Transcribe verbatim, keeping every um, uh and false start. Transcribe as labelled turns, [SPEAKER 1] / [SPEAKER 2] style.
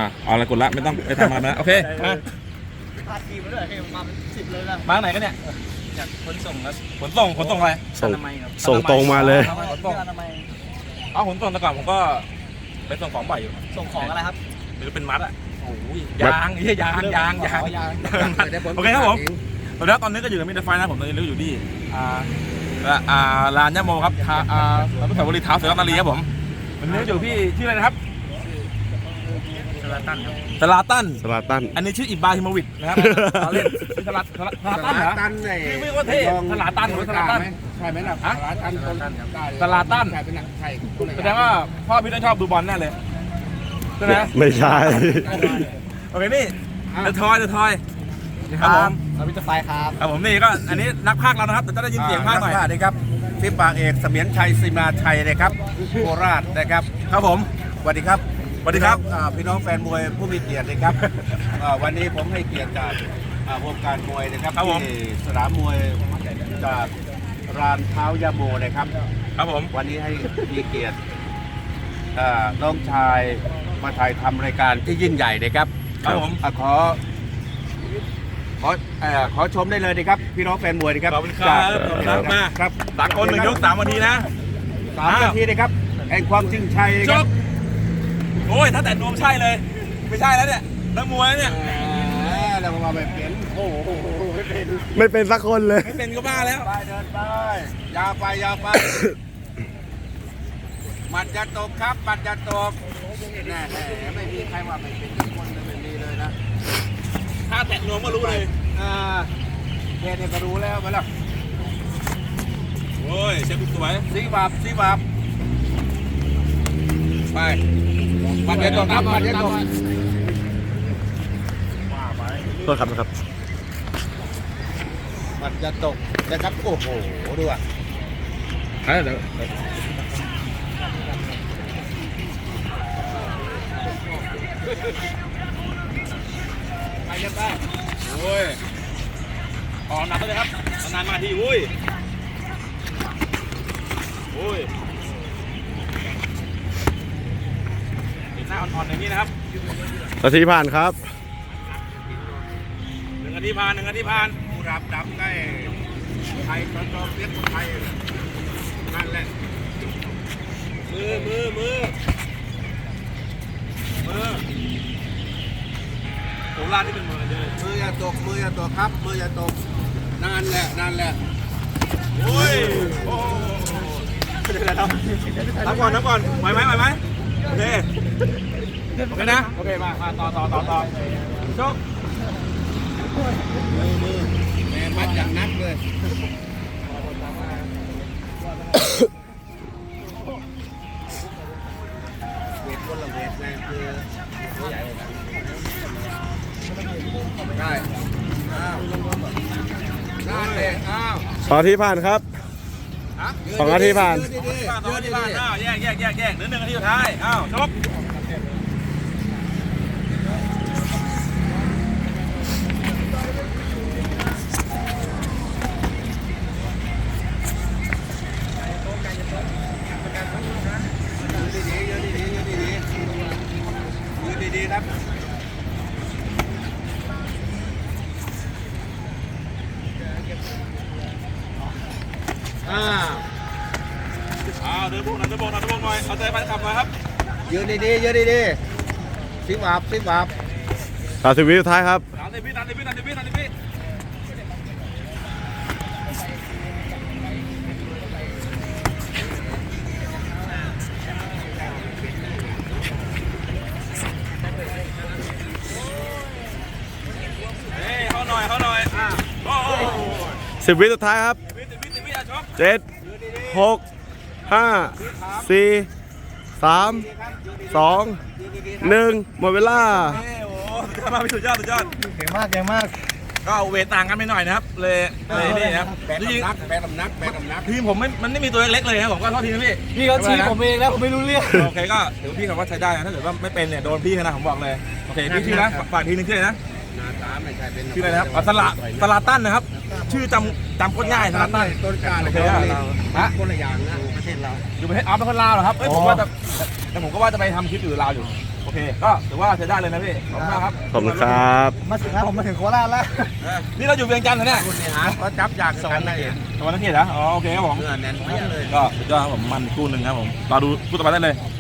[SPEAKER 1] เอาอะไรกดละไม่ต้องไปทำอะไรนะโอเคมา
[SPEAKER 2] พาทีมมาด้วยมาเป็นสิบเลยนะ
[SPEAKER 1] มาไหนกันเนี่ย
[SPEAKER 2] จากขนส่งครับ
[SPEAKER 1] ขนส่งขนส่งอะไร
[SPEAKER 3] ส่ง
[SPEAKER 2] อนามัยครับ
[SPEAKER 3] ส่งตรงมาเลย
[SPEAKER 1] ขนส่ง
[SPEAKER 2] อนามัย
[SPEAKER 1] เอาขนส่งแต่ก่อนผมก็ไปส่งของบ่อยอยู่
[SPEAKER 2] ส่งของอะไรครับ
[SPEAKER 1] หรือเป็นมัดอ่ะโอ้ยยางนี่ยางยางยางยางโอเคครับผมแล้วตอนนี้ก็อยู่ในมิดไฟนะผมตอนนี้อยู่ที่อ่าอ่าลานย่าโมครับอ่าอนุสาวรีย์เท้าเสือนารีครับผมวันนี้อยู่พี่ชื่ออะไรนะครับ
[SPEAKER 2] สลาตันครับ
[SPEAKER 1] สลาตัน
[SPEAKER 3] สลาตัน
[SPEAKER 1] อันนี้ชื่ออิบราฮิโมวิชนะครับเราเล่นชื่อสลาสลาสลาตันเหรอ
[SPEAKER 4] ตันไอ้
[SPEAKER 1] ชื่อไม่ว่าเท่สลาตันหรือสลาตัน
[SPEAKER 4] ใช่ไหมล่ะ
[SPEAKER 1] ฮะ
[SPEAKER 4] สลาตันคนได้
[SPEAKER 1] สลาตัน
[SPEAKER 4] ใช่เป็นหนังไทยคนไหน
[SPEAKER 1] แสดงว่าพ่อพี่ต้องชอบดูบอลแน่เลยใช่ไหม
[SPEAKER 3] ไม่ใช่
[SPEAKER 1] โอเคนี่เดอะทอยเดอะทอยครับผม
[SPEAKER 2] เราพิจารณาครับ
[SPEAKER 1] ครับผมนี่ก็อันนี้นักพากย์เรานะครับแต่จะได้ยินเสียงพากย์หน่อย
[SPEAKER 4] สวัสดีครับฟิปปากเอกเสมียนชัยศิมาชัยนะครับโคราชนะครับ
[SPEAKER 1] ครับผม
[SPEAKER 4] สวัสดีครับ
[SPEAKER 1] สวัสดีครับ
[SPEAKER 4] อ่าพี่น้องแฟนมวยผู้มีเกียรตินะครับอ่าวันนี้ผมให้เกียรติจากอ่าวงการมวยนะครับ
[SPEAKER 1] ครับผม
[SPEAKER 4] ที่สนามมวยจากรานเท้ายาโมนะครับ
[SPEAKER 1] ครับผม
[SPEAKER 4] วันนี้ให้มีเกียรติอ่าน้องชายมาถ่ายทำรายการที่ยิ่งใหญ่นะครับ
[SPEAKER 1] ครับผม
[SPEAKER 4] อ่ะขอขอเอ่อขอชมได้เลยนะครับพี่น้องแฟนมวยนะครับ
[SPEAKER 1] ขอบคุณครับขอบคุณครับมา
[SPEAKER 4] ครับ
[SPEAKER 1] สากลหนึ่งยกสามนาทีนะ
[SPEAKER 4] สามนาทีนะครับแห่งความจริงชัยนะ
[SPEAKER 1] จ
[SPEAKER 4] ครับ
[SPEAKER 1] บโอ้ยถ้าแต่นวมใช่เลย ไม่ใช่แล้วเนี่ยนักมวยแล้วเนี่ย
[SPEAKER 4] แหมเรามาแบบเปลี่ยนโอ้โหไม่เป็น
[SPEAKER 3] ไม่เป็นสักคนเลย
[SPEAKER 1] ไม่เป็นก็บ้าแล้ว
[SPEAKER 4] ไปเดินไปยาวไปยาวไปหมัดจะตกครับหมัดจะตกแน่แน่ไม่มีใครว่าไม่เป็นทุกคนเลยไม่มีเลยนะ
[SPEAKER 1] ถ้าแตะนวมก็รู้เลย
[SPEAKER 4] อ่าแค่นี้ก็รู้แล้วไปแล้ว
[SPEAKER 1] โอ้ยเชฟสวย
[SPEAKER 4] สีบาบสีบาบไปปัดเย็นตกครับปัดเย็นตก
[SPEAKER 3] โทษครับนะครับ
[SPEAKER 4] ปัดจะตกนะครับโอ้โหดูอ่ะ
[SPEAKER 1] เดี๋ยวไปยังไงโอ้ยออกหนักเลยครับนานมาทีอุ้ยโอ้ยติดหน้าอ่อนๆอย่างนี้นะครับ
[SPEAKER 3] นาทีผ่านครับ
[SPEAKER 1] หนึ่งนาทีผ่านหนึ่งนาทีผ่าน
[SPEAKER 4] ผู้รับดำได้ไทยตอนตอนเรียกคนไทยนั่นแหละ
[SPEAKER 1] มือมือมือมือผมลาดที่เป็นมือเลย
[SPEAKER 4] มืออย่าตกมืออย่าตกครับมืออย่าตกนั่นแหละนั่นแหละ
[SPEAKER 1] โอ้ยโอ้นับก่อนนับก่อนไหวไหมไหวไหมโอเคโอเคนะโอเคมามาต่อต่อต่อต่อชก
[SPEAKER 4] มือมือแม่มัดอย่างนักเลยเวทคนละเวทแม่คือตัวใหญ่เลยนะได้อ้าวนั่นเลยอ้าว
[SPEAKER 3] สองนาทีผ่านครับ สองนาทีผ่าน
[SPEAKER 4] ยืดดีๆ
[SPEAKER 1] ต่อ
[SPEAKER 4] ยืด
[SPEAKER 1] ที่
[SPEAKER 4] ดี
[SPEAKER 1] บ้าน
[SPEAKER 4] ๆ
[SPEAKER 1] อ้าวแยกแยกแยกแยกเหลือหนึ่งนาทีสุดท้ายอ้าวชก
[SPEAKER 4] ยืดดีๆยืดดีๆยืดดีๆยืดดีๆครับอ้าว
[SPEAKER 1] อ้าวเดินพวกนั้นเดินพวกนั้นเดินพวกหน่อยเอาใจแฟนคลับหน่อยครับ
[SPEAKER 4] ยืนดีๆยืนดีๆสิบาบสิบาบ
[SPEAKER 3] สามสิบวิสุดท้ายครับ
[SPEAKER 1] สามสิบวิสามสิบวิสามสิบวิสามสิบวิเฮ้ยเขาหน่อยเขาหน่อยอ่ะโอ้โห
[SPEAKER 3] สิบวิสุดท้ายครับ
[SPEAKER 1] สิบวิสิบวิสิบวิอ่ะชก
[SPEAKER 3] เจ็ดหกห้าสี่สามสองหนึ่งหมดเวลา
[SPEAKER 1] เฮ้ยโอ้โหสุดยอดมากพี่สุดยอดสุดยอด
[SPEAKER 2] เก่งมากเก่งมาก
[SPEAKER 1] ก็เวทต่างกันไปหน่อยนะครับ เลยเลยนี่นะครับ
[SPEAKER 4] แบก
[SPEAKER 1] จริง
[SPEAKER 4] น้ำหนักแบกน้ำหนักแบกน้ำหนัก
[SPEAKER 1] ๆทีมผมไม่มันไม่มีตัวเล็กๆเลยนะผมก็โทษทีนะพี่
[SPEAKER 2] พี่เขาชี้ผมเองแล้วผมไม่รู้เรื่อง
[SPEAKER 1] โอเคก็ถือพี่เขาว่าใช้ได้นะถ้าเกิดว่าไม่เป็นเนี่ยโดนพี่นะผมบอกเลยโอเคพี่ชื่อนะฝากทีนึงชื่ออะไรนะ
[SPEAKER 4] หน้าตาไม่ใช่เป็น
[SPEAKER 1] ชื่ออะไรนะครับอ๋อสละสลาตันนะครับ ชื่อจำจำโคตรง่ายสลาตัน
[SPEAKER 4] ต้นกล้า
[SPEAKER 1] โอ
[SPEAKER 4] เลย
[SPEAKER 1] เค
[SPEAKER 4] ค
[SPEAKER 1] ค
[SPEAKER 4] รั
[SPEAKER 1] รั
[SPEAKER 4] บบ
[SPEAKER 1] ฮะ
[SPEAKER 4] คนละอย่างนะประเทศเรา
[SPEAKER 1] อยู่ประเทศอ๋อเป็นคนลาวเหรอครับเอ้ยผมว่าจะแต่ผมก็ว่าจะไปทำคลิปอยู่ลาวอยู่โอเคก็ถือว่าใช้ได้เลยนะพี่ขอบคุณมากครับ
[SPEAKER 3] ขอบคุณครับ
[SPEAKER 2] มาถึงแล้วผมมาถึงโคราชแล้ว
[SPEAKER 1] นี่เราอยู่เวียงจันทร์เหรอเนี่ย
[SPEAKER 4] คุณนี่ฮะก็จับจากสวรรค์นะเห็น
[SPEAKER 1] ตะวันนักเขียนเหรออ๋อโอเคครับผม
[SPEAKER 4] เนื้อแน่นเปี้ยเลย
[SPEAKER 1] ก็สุดยอดครับผมมันคู่หนึ่งครับผมรอดูคู่ต่อไปได้เลย